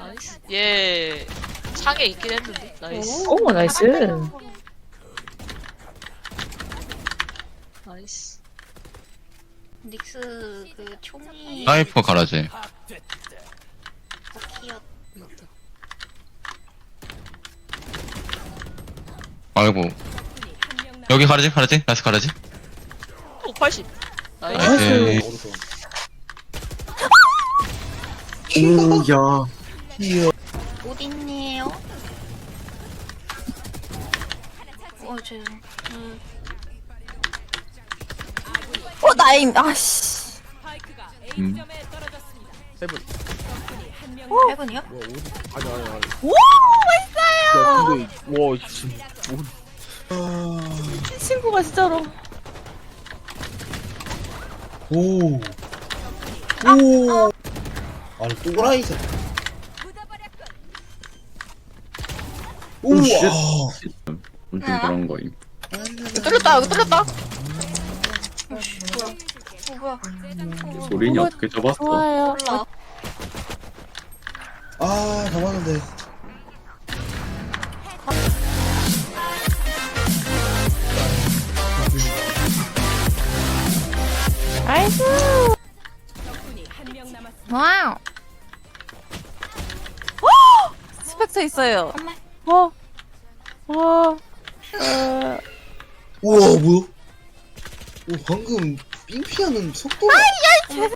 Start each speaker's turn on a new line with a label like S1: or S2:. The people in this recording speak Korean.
S1: 나이스. 얘 창에 있긴 했는데. 나이스.
S2: 오, 나이스.
S1: 나이스.
S3: 닉스 그 총이
S4: 사이퍼 가라지.
S3: 버키였.
S1: 맞다.
S4: 아이고. 여기 가라지? 나이스 가라지?
S1: 오, 80. 나이스.
S4: 오케이.
S5: 오야.
S3: 어딨니에요? 죄송.
S6: 나임, 아씨.
S5: 세븐.
S3: 해븐이요?
S5: 아니.
S6: 오,
S5: 야 근데 와 지금
S6: 이 친구가 진짜로.
S7: 오. 아니 또라이자. 우와.
S4: 엄청 그런 거임.
S6: 뚫렸다, 여기 뚫렸다.
S3: 뭐야?
S4: 소린이 어떻게 접었어?
S6: 좋아요.
S3: 몰라.
S7: 아 잡았는데.
S6: 나이스. 와우. 스펙터 있어요. 와. 와.
S7: 우와 뭐야? 오 방금 삥 피하는 속도가.